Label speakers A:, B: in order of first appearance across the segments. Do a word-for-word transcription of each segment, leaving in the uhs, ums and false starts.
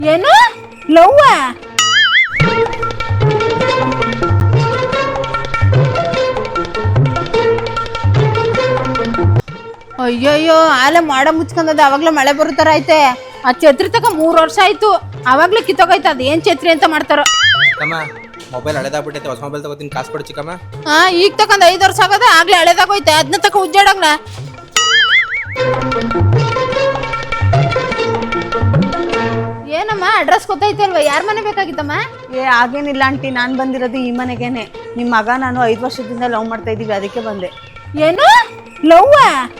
A: ಏನು ಲವ್ವ? ಅಯ್ಯಯ್ಯೋ ಆಲೆ ಮಾಡ ಮುಚ್ಕೊಂಡದ ಅವಾಗ್ಲೇ ಮಳೆ ಬರೋ ತರ ಐತೆ. ಆ ಛತ್ರಿ ತಕ ಮೂರ್ ವರ್ಷ ಆಯ್ತು, ಅವಾಗ್ಲೇ ಕಿತ್ತೋಗೈತೆ. ಅದ್ ಏನ್ ಛತ್ರಿ ಅಂತ ಮಾಡ್ತಾರೋ.
B: ಮೊಬೈಲ್ ಹಳೆದಾಗ್ಬಿಟ್ಟೈತೆ, ಹೊಸ ಮೊಬೈಲ್ ತಗೋತೀನಿ, ಕಾಸು ಕೊಡು ಚಿಕ್ಕಮ್ಮ.
A: ಹಾ ಈಗ ತಕೊಂಡ್ ಐದ್ ವರ್ಷ ಆಗದ, ಆಗ್ಲೇ ಹಳೆದಾಗೋಯ್ತೆ. ಅದನ್ನ ತಕ ಉಜ್ಜಾಡಂಗ್ಲ. ಏನಮ್ಮ ಅಡ್ರೆಸ್ ಗೊತ್ತೈತೆ ಅಲ್ವಾ? ಯಾರ ಮನೆ ಬೇಕಾಗಿತ್ತಮ್ಮ?
C: ಏ ಆಗೇನಿಲ್ಲ ಆಂಟಿ, ನಾನು ಬಂದಿರೋದು ಈ ಮನೆಗೇನೆ. ನಿಮ್ಮ ಮಗ ನಾನು ಐದು ವರ್ಷದಿಂದ ಲವ್ ಮಾಡ್ತಾ ಇದ್ದೀವಿ, ಅದಕ್ಕೆ ಬಂದೆ.
A: ಏನು ಲವ್ವ?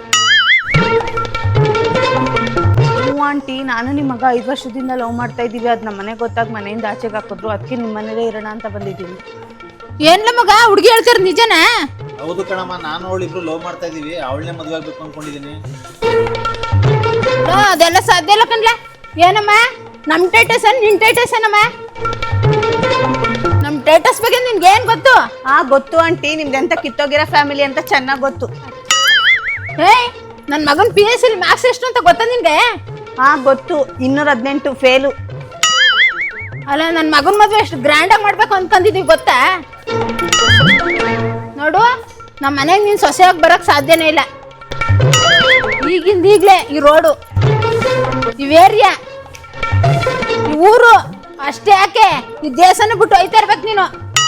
C: ಹ್ಞೂ ಆಂಟಿ, ನಾನು ನಿಮ್ಮ ಮಗ ಐದು ವರ್ಷದಿಂದ ಲವ್ ಮಾಡ್ತಾ ಇದ್ದೀವಿ. ಅದು ನಮ್ಮ ಮನೆಗೆ ಗೊತ್ತಾಗಿ ಮನೆಯಿಂದ ಆಚೆಗೆ ಹಾಕಿದ್ರು, ಅದಕ್ಕೆ ನಿಮ್ಮ ಮನೇಲೇ ಇರೋಣ ಅಂತ ಬಂದಿದ್ದೀನಿ.
A: ಏನ್ಲ ಮಗ ಹುಡುಗಿ ಹೇಳ್ತಾರ ನಿಜನಾ?
D: ಹೌದು ಕಣಮ್ಮ, ನಾನು ಅವಳು ಇಬ್ರು ಲವ್ ಮಾಡ್ತಾ ಇದೀವಿ. ಅವಳನ್ನೇ ಮದುವೆ ಆಗ್ಬೇಕು ಅನ್ಕೊಂಡಿದೀನಿ.
A: ಅದೆಲ್ಲ ಸಾಧ್ಯ ಇಲ್ಲ ಕಣ್ಲ. ಏನಮ್ಮ ನಮ್ ಟೇಟಸ್ ನಿನ್ ಟೇಟಸ್ ಏನಮ್ಮ? ನಮ್ ಟೇಟಸ್ ಬಗ್ಗೆ ನಿನ್ಗೆ ಏನ್ ಗೊತ್ತು?
C: ಹಾ ಗೊತ್ತು ಆಂಟಿ, ನಿಮ್ದು ಎಂತ ಕಿತ್ತೋಗಿರೋ ಫ್ಯಾಮಿಲಿ ಅಂತ ಚೆನ್ನಾಗಿ ಗೊತ್ತು.
A: ಏಯ್ ನನ್ ಮಗನ್ ಪಿ ಎಸ್ ಸಿ ಮ್ಯಾಕ್ಸ್ ಎಷ್ಟು ಅಂತ ಗೊತ್ತಾ ನಿನ್ಗೆ?
C: ಹಾ ಗೊತ್ತು, ಇನ್ನೂರ ಹದಿನೆಂಟು ಫೇಲು.
A: ಅಲ್ಲ ನನ್ ಮಗನ್ ಮದ್ವೆ ಎಷ್ಟು ಗ್ರ್ಯಾಂಡ್ ಆಗಿ ಮಾಡ್ಬೇಕು ಅನ್ಕೊಂಡಿದೀವಿ ಗೊತ್ತಾ? ನೋಡು, ನಮ್ಮ ಮನೆಗೆ ನೀನ್ ಸೊಸೆಯಾಗಿ ಬರಕ್ ಸಾಧ್ಯನೇ ಇಲ್ಲ. ಈಗಿಂದ ಈಗ್ಲೇ ಈ ರೋಡು, ಈ ಏರಿಯಾ, ಈ ಊರು ಅಷ್ಟೇ ಯಾಕೆ, ಈ ದೇಶನ ಬಿಟ್ಟು ಹೋಯ್ತಾ ಇರ್ಬೇಕು ನೀನು.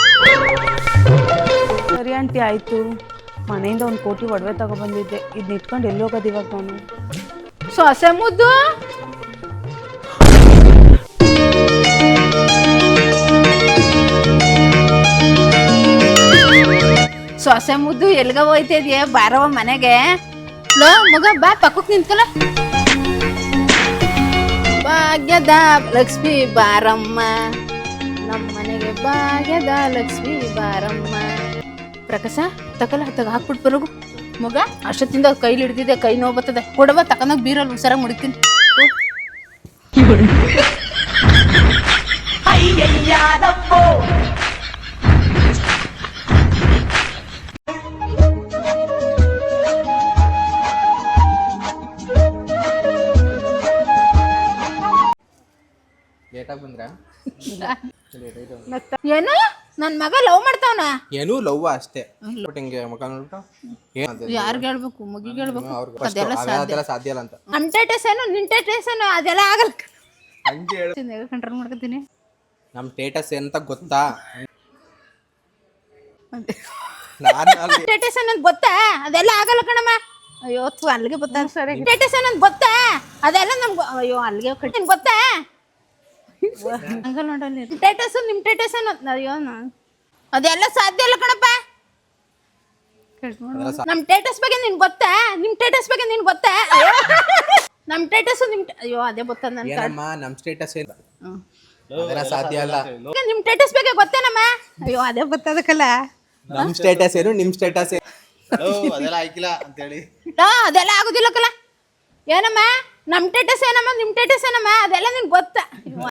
C: ಸರಿ ಆಂಟಿ ಆಯ್ತು. ಮನೆಯಿಂದ ಒಂದು ಕೋಟಿ ಒಡವೆ ತಗೊಬಂದಿದ್ದೆ, ಇದನ್ನ ಇಟ್ಕೊಂಡು ಎಲ್ಲಿ ಹೋಗೋದು ಇವಾಗ ನಾನು?
A: ಸೊಸೆ ಮುದ್ದು ಸೊಸೆ ಮುದ್ದು ಎಲ್ಗ ಹೋಯ್ತಾ ಇದೆಯಾ? ಬಾರವ ಮನೆಗೆ. ಲೋ ಮಗ ಬಾ, ಪಕ್ಕಕ್ಕೆ ನಿಂತ್ಕೊಳ. ಭಾಗ್ಯದ ಲಕ್ಷ್ಮಿ ಬಾರಮ್ಮ, ನಮ್ಮ ಮನೆಗೆ ಭಾಗ್ಯದ ಲಕ್ಷ್ಮಿ ಬಾರಮ್ಮ. ಪ್ರಕಾಶ ತಕಲ ತಗ ಹಾಕ್ಬಿಟ್ಟು ಬರೋಗು ಮಗ. ಅಷ್ಟೊತ್ತಿಂದ ಕೈಲಿ ಹಿಡ್ದಿದ್ದೆ, ಕೈ ನೋವು ಬರ್ತದೆ. ಕೊಡವ ತಕೊಂಡೋಗ ಬೀರಲ್ಲಿ ಹುಷಾರಾಗಿ ಮುಡಿತೀನಿ.
B: ಲೇಟಾಗಿ ಬಂದ್ರ?
A: ಏನು ನನ್ ಮಗ ಲವ್ ಮಾಡ್ತಾವನ?
B: ಏನೂ ಲವ್ ಅಷ್ಟೇ. ಬಟ್ ಹಿಂಗೆ ಮುಖ ನೋಡ್ಬಿಟ್ಟು
A: ಯಾರ್ಗೆ ಹೇಳ್ಬೇಕು? ಮಗಿಗೆ ಹೇಳ್ಬೇಕು?
B: ಅದೆಲ್ಲ ಸಾಧ್ಯ ಇಲ್ಲ ಅಂತ.
A: ನಮ್ ಟೇಟಸ್ ಏನು ನಿನ್ ಟೇಟಸ್ ಏನು ಅದೆಲ್ಲ ಆಗಲ್ಲ.
B: ಹಂಗೆ ಹೇಳು.
A: ಕಂಟ್ರೋಲ್ ಮಾಡ್ಕೊತೀನಿ.
B: ನಮ್ ಸ್ಟೇಟಸ್ ಎಂತ ಗೊತ್ತಾ? ನಾನು
A: ಟೇಟಸ್ ಅನ್ನೋದು ಗೊತ್ತಾ? ಅದೆಲ್ಲ ಆಗಲ್ಲ ಕಣಮ್ಮ. ಅಯ್ಯೋ ತು ಅಲ್ಲಿಗೆ ಗೊತ್ತಾ? ಸರಿ ಟೇಟಸ್ ಅನ್ನೋದು ಗೊತ್ತಾ? ಅದೆಲ್ಲ ನಮ್ಗೆ ಅಯ್ಯೋ ಅಲ್ಲಿಗೆ ಕಟ್ಟಿನ ಗೊತ್ತಾ? ಹಂಗಲ್ಲ ನೋಡಲ್ಲಿ ಟೇಟಸ್ ನಿಮ್ ಟೇಟಸ್ ಅನ್ನೋದು ಅಯ್ಯೋ ಅದೆಲ್ಲ ಸಾಧ್ಯ ಇಲ್ಲ ಕಣಪ್ಪ. ನಮ್ ಟೇಟಸ್ ಬಗ್ಗೆ ನಿನ್ ಗೊತ್ತಾ? ನಿಮ್ ಟೇಟಸ್ ಬಗ್ಗೆ ನಿನ್ ಗೊತ್ತಾ? ನಮ್ ಟೇಟಸ್ ನಿಮ್ ಅಯ್ಯೋ ಅದೇ ಗೊತ್ತಾ?
B: ಏನಮ್ಮ ನಮ್ ಸ್ಟೇಟಸ್ ಏನು ಅದೆಲ್ಲ ಸಾಧ್ಯ ಇಲ್ಲ.
A: ನಿಮ್ ಟೇಟಸ್ ಬಗ್ಗೆ ಗೊತ್ತೇನಮ್ಮ? ಅಯ್ಯೋ ಅದೇ ಗೊತ್ತದಕ್ಕಲ್ಲ.
B: ನಮ್ ಸ್ಟೇಟಸ್ ಏನು ನಿಮ್ ಸ್ಟೇಟಸ್ ಏನು
D: ಅದೆಲ್ಲ ಆಯ್ಕಿಲ್ಲ ಅಂತ ಹೇಳಿ
A: ಅದೆಲ್ಲ ಆಗುದಿಲ್ಲ ಕಲ. ಏನಮ್ಮ ನಮ್ ಟೇಟಸ್ ಏನಮ್ಮ ನಿಮ್ ಟೇಟಸ್ ಏನಮ್ಮ ಅದೆಲ್ಲ ನಿನ್ ಗೊತ್ತಾ?